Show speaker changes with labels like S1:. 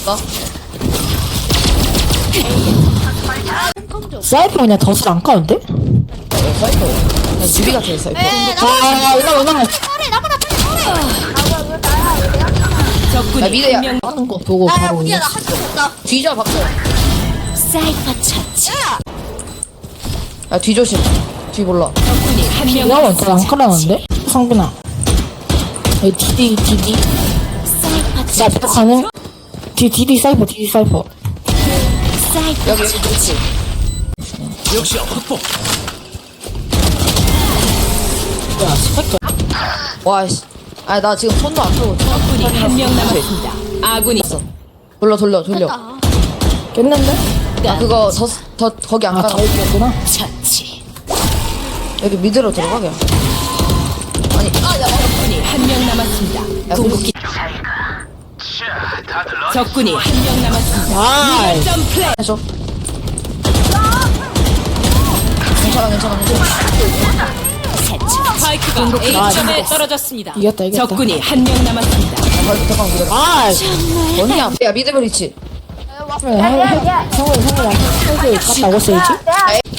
S1: 나?
S2: 사이퍼 그냥 덫을 안 까는데?
S1: 사이퍼. 그냥 유비가 제일 사이퍼.
S2: 아, 이거.
S1: 나 미드야.
S2: 하는 거 보고 바로 올려.
S1: 뒤져 박수.
S3: 사이퍼 처치.
S1: 야 뒤조심. 뒤 몰라.
S3: 적군이 한 명
S2: 이거 완전 안 깔아놨는데? 성균아. 여기 디디.
S3: 사이퍼
S2: 나 부탁하네? 디디 사이퍼.
S3: 사이퍼
S1: 여기 그렇지.
S4: 역시 확보.
S2: 야, 스펙터.
S1: 와씨. 아 나 지금 손도 안 펴고.
S3: 적군이 한 명 남았습니다. 아군이
S1: 돌려.
S2: 깼는데?
S1: 아 그거 더 거기 안
S2: 아,
S1: 가나?
S2: 더 있겠구나.
S3: 처치.
S1: 여기 미드로 들어가 그냥. 아니
S3: 적군이 한 명 남았습니다.
S1: 야,
S3: 궁극기. 적군이 한 명 남았습니다.
S2: 아이.
S3: 점 플레이.
S1: 해줘. 괜찮아.
S3: 스파이크가 A점에 떨어졌습니다.
S2: 이겼다.
S3: 적군이 한 명 남았습니다.
S1: 잠깐 기다려.
S2: 아이.
S1: 언니야. 야 미드 브리치.
S2: 성균이 한테 갔다 오고 써야지.